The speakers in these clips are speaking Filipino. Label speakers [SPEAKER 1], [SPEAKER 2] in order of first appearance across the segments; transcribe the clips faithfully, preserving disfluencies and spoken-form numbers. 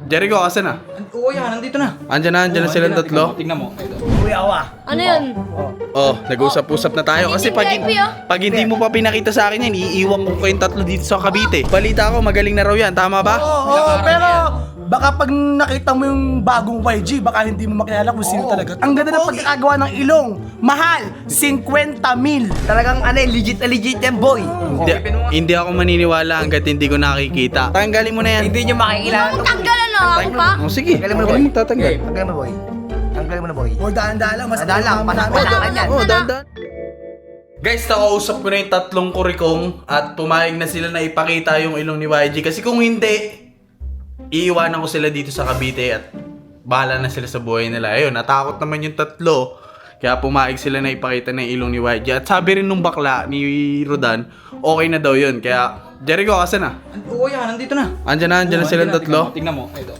[SPEAKER 1] Jericho, asan na?
[SPEAKER 2] Oo yan, nandito na.
[SPEAKER 1] Andyan na, andyan na silang tatlo.
[SPEAKER 2] Tingnan mo. Ito.
[SPEAKER 3] Kuya Awa.
[SPEAKER 4] Ano yun?
[SPEAKER 1] Oh, nag-usap-usap na tayo. Kasi pag,
[SPEAKER 4] V I P, oh.
[SPEAKER 1] pag hindi mo pa pinakita sa akin yan, iiwan ko kayong tatlo dito sa Cavite. Balita ko, magaling na raw yan. Tama ba?
[SPEAKER 3] Oo, oo, pero baka pag nakita mo yung bagong Y G, baka hindi mo makilala kung sino talaga. Ang ganda ng pagkakagawa ng ilong. Mahal, fifty mil.
[SPEAKER 5] Talagang ano, legit na legit yan, boy.
[SPEAKER 1] Hindi, hindi ako maniniwala hanggat hindi ko nakikita. Tanggalin mo na yan.
[SPEAKER 5] Hindi nyo makikilala.
[SPEAKER 4] Tanggalan na ako pa.
[SPEAKER 1] Oh, sige.
[SPEAKER 5] Tanggalin mo na, boy.
[SPEAKER 1] Galing mo tatanggal.
[SPEAKER 5] Tanggalin mo, boy. Tanggalin mo na, boy.
[SPEAKER 3] O dahan-dahan lang, mas
[SPEAKER 5] Dahan lang,
[SPEAKER 3] kasama namin.
[SPEAKER 5] panakan yan.
[SPEAKER 1] Oh, dandan. Guys, nakausap ko na yung tatlong kurikong at pumayag na sila na ipakita yung ilong ni Y G. Kasi kung hindi, iiwanan ko sila dito sa Cavite at bahala na sila sa buhay nila. Ayun, natakot naman yung tatlo. Kaya pumayag sila na ipakita na yung ilong ni Y G. At sabi rin nung bakla ni Rodan, okay na daw yun. Kaya, Jericho, asan na?
[SPEAKER 2] Oo yan, nandito na.
[SPEAKER 1] Andyan na, andyan na silang tatlo.
[SPEAKER 2] Tingnan mo. Ito.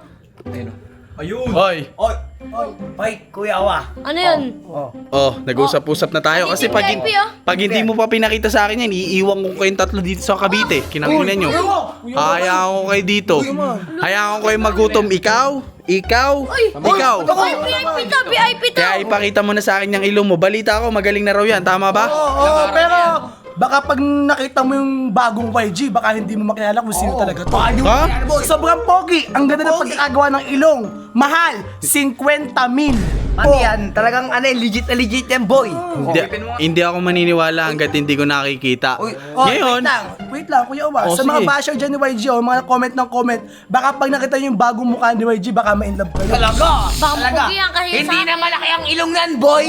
[SPEAKER 2] Ayun. Ayun.
[SPEAKER 1] Hoy!
[SPEAKER 3] Oy, oy, oy, Kuya Awa.
[SPEAKER 4] Ano yun?
[SPEAKER 1] Oh, nag-usap-usap na tayo. Kasi pag,
[SPEAKER 4] V I P, oh.
[SPEAKER 1] pag hindi mo pa pinakita sa akin yan, iiwan ko kayong tatlo dito sa Cavite. Kinanginan nyo. Hayaan ko kayo dito. Hayaan ko kayo magutom. Ikaw? Ikaw? Ikaw?
[SPEAKER 4] Uy, V I P to, V I P to.
[SPEAKER 1] Kaya ipakita mo na sa akin yung ilong mo. Balita ko, magaling na raw yan. Tama ba?
[SPEAKER 3] Oo, oo, pero baka pag nakita mo yung bagong Y G, baka hindi mo makilala kung sino talaga to.
[SPEAKER 1] Ha?
[SPEAKER 3] Sobrang pogi. Ang ganda ng pagkakagawa ng ilong. Mahal, fifty mil.
[SPEAKER 5] Ano yan? Talagang ano, legit na legit yan, boy.
[SPEAKER 1] Hindi, hindi ako maniniwala hanggat hindi ko nakikita.
[SPEAKER 5] Uy,
[SPEAKER 3] Oh,
[SPEAKER 1] Ngayon,
[SPEAKER 3] wait lang, wait lang, Kuya Awa.
[SPEAKER 1] Oh,
[SPEAKER 3] sa mga
[SPEAKER 1] sige.
[SPEAKER 3] basher dyan ni Y G, oh, mga comment ng comment, baka pag nakita nyo yung bagong mukha ni Y G, baka ma-inlove kayo.
[SPEAKER 5] Talaga?
[SPEAKER 4] Baka
[SPEAKER 5] Talaga?
[SPEAKER 4] mapugi ang kahit
[SPEAKER 5] Hindi
[SPEAKER 4] sa
[SPEAKER 5] na
[SPEAKER 4] akin.
[SPEAKER 5] malaki ang ilong yan, boy.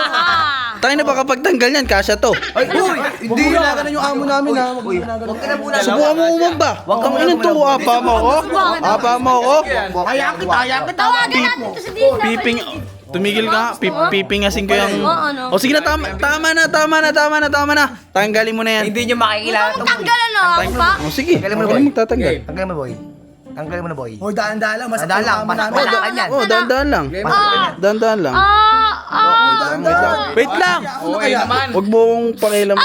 [SPEAKER 4] Ah.
[SPEAKER 1] tayo na baka pagtanggal yan, kasya to.
[SPEAKER 3] Ay, uy, hindi na ganun yung amo namin ha. Huwag mo na
[SPEAKER 5] Huwag ka na muna.
[SPEAKER 1] Subukan mo umang ba? Huwag kang inan to, apa mo ko? Apa mo ko?
[SPEAKER 3] Hayaan kita, hayaan kita.
[SPEAKER 4] Tawagan natin to sa D S W D.
[SPEAKER 1] Piping, tumigil ka, Pip, pipingasin ko yung...
[SPEAKER 4] Oo, ano?
[SPEAKER 1] O sige na, tama, tama na, tama na, tama na, tama na. Tanggalin mo na yan.
[SPEAKER 5] Hindi nyo makikilala to, boy.
[SPEAKER 4] Tanggalan na ako pa.
[SPEAKER 1] O sige,
[SPEAKER 5] Tanggalin mo na,
[SPEAKER 1] magaling
[SPEAKER 5] boy.
[SPEAKER 1] magtatanggal.
[SPEAKER 5] Tanggalin mo, boy. Tanggalin mo na, boy.
[SPEAKER 3] O, dahan-dahan lang, mas
[SPEAKER 5] Dahan lang,
[SPEAKER 3] amo namin.
[SPEAKER 5] mas- Panakan yan.
[SPEAKER 1] Oh, dahan-dahan lang. Dahan-dahan lang.
[SPEAKER 4] Ah, ah.
[SPEAKER 1] Wait lang. Wait lang.
[SPEAKER 2] Okay naman.
[SPEAKER 1] Huwag mo kong pakialam.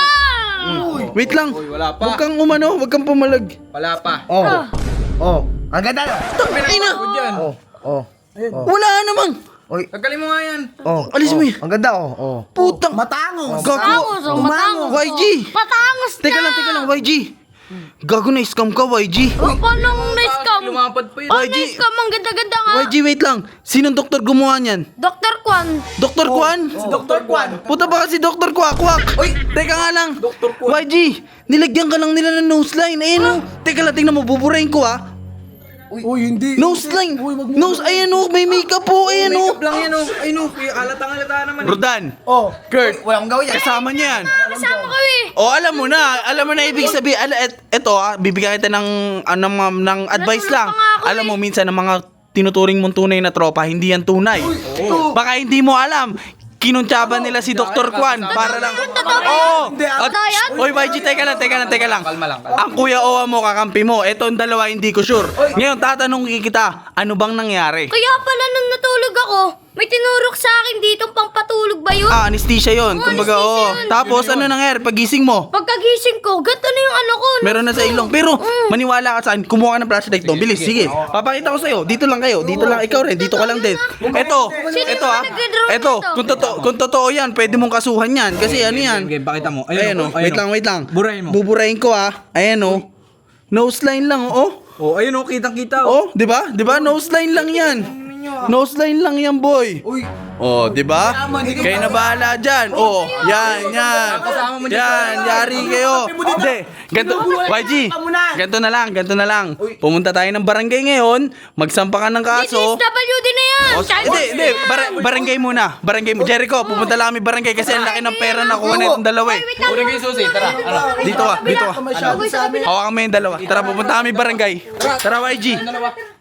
[SPEAKER 1] Wait lang.
[SPEAKER 2] wala pa.
[SPEAKER 1] Huwag kang umano, huwag kang pumalag.
[SPEAKER 2] Wala pa.
[SPEAKER 5] Oh. Oh. Ang ganda.
[SPEAKER 1] Ina!
[SPEAKER 2] Yan.
[SPEAKER 5] Oh. Oh.
[SPEAKER 1] Wala namang.
[SPEAKER 5] Oy.
[SPEAKER 2] Tanggalin mo nga yan.
[SPEAKER 5] Oh.
[SPEAKER 1] Alis mo
[SPEAKER 5] oh.
[SPEAKER 1] yan.
[SPEAKER 5] Ang ganda, oh. Oh.
[SPEAKER 1] Putang.
[SPEAKER 3] Matangos.
[SPEAKER 1] Gago.
[SPEAKER 4] Matangos, oh, matangos.
[SPEAKER 1] Y G.
[SPEAKER 4] Patangos na.
[SPEAKER 1] Teka lang, teka lang, Y G. Gago na scam ka, Y G.
[SPEAKER 4] Oh, paano na-scam?
[SPEAKER 2] Lumapad pa yun.
[SPEAKER 4] Paano
[SPEAKER 1] Y G.
[SPEAKER 4] na-scam? Ang ganda-ganda nga.
[SPEAKER 1] Y G, wait lang. Sinong doktor gumawa niyan?
[SPEAKER 4] Doktor Kwan.
[SPEAKER 1] Doktor Kwan?
[SPEAKER 3] Si Doctor Kwan.
[SPEAKER 1] Puta ba kasi Doktor Kwakwak? Uy, teka nga lang.
[SPEAKER 2] Doktor Kwan.
[SPEAKER 1] Y G, nilagyan ka lang nila ng nose line. Ayun oh. Teka lang, tingnan mo, buburahin ko ah.
[SPEAKER 3] Uy, hindi.
[SPEAKER 1] Nose line.
[SPEAKER 3] Uy, wag mo.
[SPEAKER 1] Nose, ayan oh, may makeup po, ayan oh.
[SPEAKER 2] Makeup lang yan oh. Ay no, halatang-halata naman.
[SPEAKER 1] Rodan,
[SPEAKER 3] Oh.
[SPEAKER 1] Kurt,
[SPEAKER 5] Wala akong gawin yan.
[SPEAKER 1] kasama niya yan.
[SPEAKER 4] Kasama ko eh.
[SPEAKER 1] O, alam mo na, alam mo na ibig sabihin. Ala, et, eto ah, bibigyan kita ng, ano, ng, ng advice
[SPEAKER 4] Natulog
[SPEAKER 1] lang.
[SPEAKER 4] pa nga ako
[SPEAKER 1] Alam
[SPEAKER 4] eh.
[SPEAKER 1] mo, minsan ng mga tinuturing mong tunay na tropa, hindi yan tunay. Baka hindi mo alam. Kinuntsaban nila si Doktor Kwan para lang. Oo.
[SPEAKER 3] Hindi,
[SPEAKER 1] At,
[SPEAKER 4] totoo yan?
[SPEAKER 1] oy, Y G, teka lang, teka lang, teka lang.
[SPEAKER 2] Kalma lang, kalma.
[SPEAKER 1] Ang kuya Owa mo, kakampi mo. Eto ang dalawa, hindi ko sure. Ngayon, tatanungin kita, ano bang nangyari?
[SPEAKER 4] Kaya pala nung natulog ako, may tinurok sa akin dito pampatulog ba yun?
[SPEAKER 1] Ah, anesthesia yun.
[SPEAKER 4] Oo,
[SPEAKER 1] Kumbaga,
[SPEAKER 4] anesthesia
[SPEAKER 1] oo.
[SPEAKER 4] yun.
[SPEAKER 1] Tapos, ano nangyari? Pagising mo,
[SPEAKER 4] Pagkagising ko, gato na yung ano ko.
[SPEAKER 1] meron na sa ilong. Pero, maniwala ka sa akin, kumuha ka ng flashlight doon. Bilis, sige. Papakita ko sa'yo. Dito lang kayo. Dito lang, ikaw rin. Dito ka lang din. Eto,
[SPEAKER 4] Sino
[SPEAKER 1] eto
[SPEAKER 4] yung
[SPEAKER 1] ah.
[SPEAKER 4] nag-draw
[SPEAKER 1] Eto,
[SPEAKER 4] nito?
[SPEAKER 1] kung totoo, kung totoo yan, pwede mong kasuhan yan. Kasi ano yan?
[SPEAKER 2] Okay, pakita mo.
[SPEAKER 1] Ayan oh. Wait lang, wait lang.
[SPEAKER 2] Burahin mo.
[SPEAKER 1] Buburahin ko ah. Ayan oh. Nose line lang oh.
[SPEAKER 2] Oh, ayun oh, kitang-kita oh.
[SPEAKER 1] Oh, 'di ba? 'Di ba? Nose line lang 'yan. Nose line lang 'yan, boy.
[SPEAKER 2] Uy.
[SPEAKER 1] Oh, 'di ba? Kayo na bahala diyan. Oh, yan, yan. Yan, yari kayo. Hindi, ganto, Y G. Ganto na lang, ganto na lang. Pumunta tayo ng barangay ngayon, magsampa ka ng
[SPEAKER 4] D S
[SPEAKER 1] kaso.
[SPEAKER 4] W D na yan.
[SPEAKER 1] Oh,
[SPEAKER 4] Child
[SPEAKER 1] hindi, hindi, bar- barangay muna. Barangay mo. Jericho, pumunta lang kami barangay kasi ang laki ng pera na kuha na itong dalawa eh.
[SPEAKER 4] Wait lang.
[SPEAKER 2] Una kayo susi, tara. Ano?
[SPEAKER 1] Dito ka, dito ka.
[SPEAKER 3] Masyado sa amin.
[SPEAKER 1] Hawakan mo yung dalawa. Tara, pupunta kami barangay. Tara, Y G.
[SPEAKER 2] Dalawa.